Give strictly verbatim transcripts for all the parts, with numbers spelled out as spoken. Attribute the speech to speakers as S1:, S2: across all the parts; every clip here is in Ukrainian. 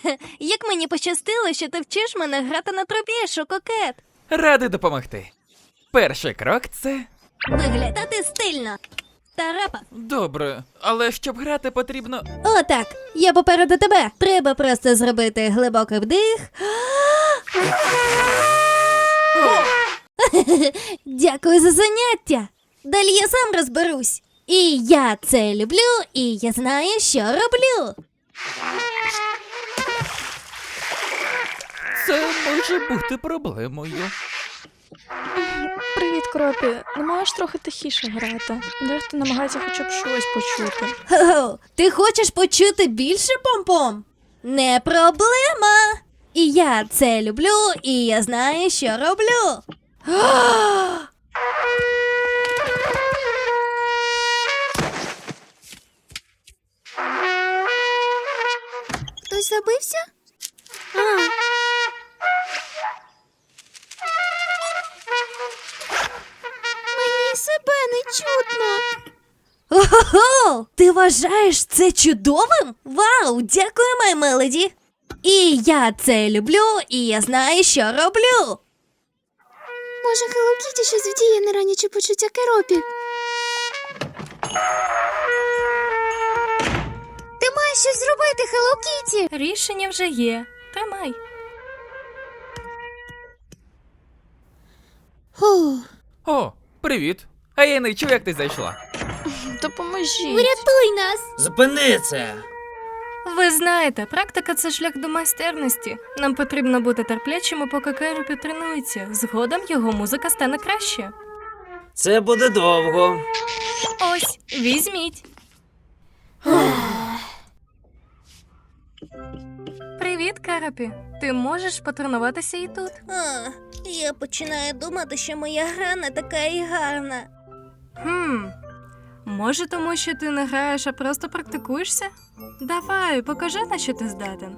S1: Як мені пощастило, що ти вчиш мене грати на трубі, шококет.
S2: Радий допомогти. Перший крок – це…
S1: Виглядати стильно. Тарапа.
S2: Добре, але щоб грати потрібно…
S1: Отак, я попереду тебе. Треба просто зробити глибокий вдих. Дякую за заняття. Далі я сам розберусь. І я це люблю, і я знаю, що роблю.
S2: Це може бути проблемою.
S3: Привіт, Кропі. Не можеш трохи тихіше грати? Дехто намагається хоча б щось почути.
S1: Хо-хо, ти хочеш почути більше, Пом-Пом? Не проблема. І я це люблю, і я знаю, що роблю. Хтось забився? А. Мені себе не чутно. Ого! Ти вважаєш це чудовим? Вау! Дякую, май мелоді! І я це люблю, і я знаю, що роблю.
S4: Може, Hello Kitty щось вдіє на ранічі почуття Керопі? Ти маєш щось зробити, Hello Kitty!
S3: Рішення вже є. Тримай.
S1: Фух.
S2: О, привіт. А я не чув, як ти зайшла.
S3: Допоможіть.
S4: Врятуй нас!
S5: Зупини це!
S3: Ви знаєте, практика – це шлях до майстерності. Нам потрібно бути терплячими, поки Керопі тренується. Згодом його музика стане краще.
S5: Це буде довго.
S3: Ось, візьміть. Привіт, Керопі. Ти можеш потренуватися і тут.
S1: А, я починаю думати, що моя гра не така і гарна.
S3: Хм. Може, тому що ти не граєш, а просто практикуєшся? Давай, покажи, на що ти здатен.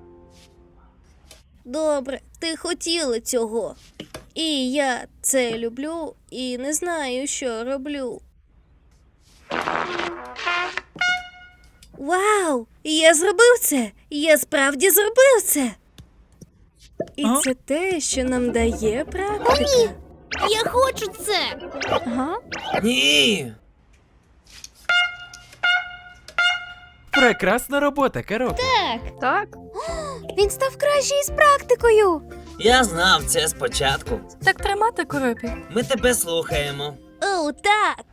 S1: Добре, ти хотіла цього. І я це люблю, і не знаю, що роблю. Вау! Я зробив це! Я справді зробив це! І
S2: А?
S1: це те, що нам дає практика.
S4: Я хочу це!
S3: Ага.
S5: Ні!
S2: Прекрасна робота, Керопі.
S3: Так.
S4: Він став краще із практикою!
S5: Я знав це спочатку.
S3: Так тримати, Керопі.
S5: Ми тебе слухаємо.
S1: О, так!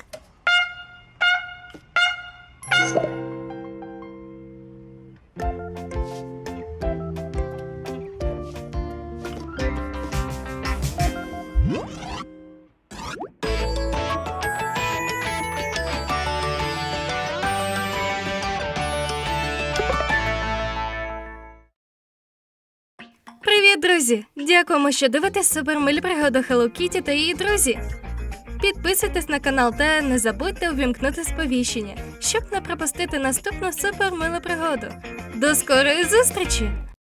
S3: Привіт, друзі! Дякуємо, що дивитесь супермилі пригоди Hello Kitty та її друзі. Підписуйтесь на канал та не забудьте увімкнути сповіщення, щоб не пропустити наступну супермилу пригоду. До скорої зустрічі!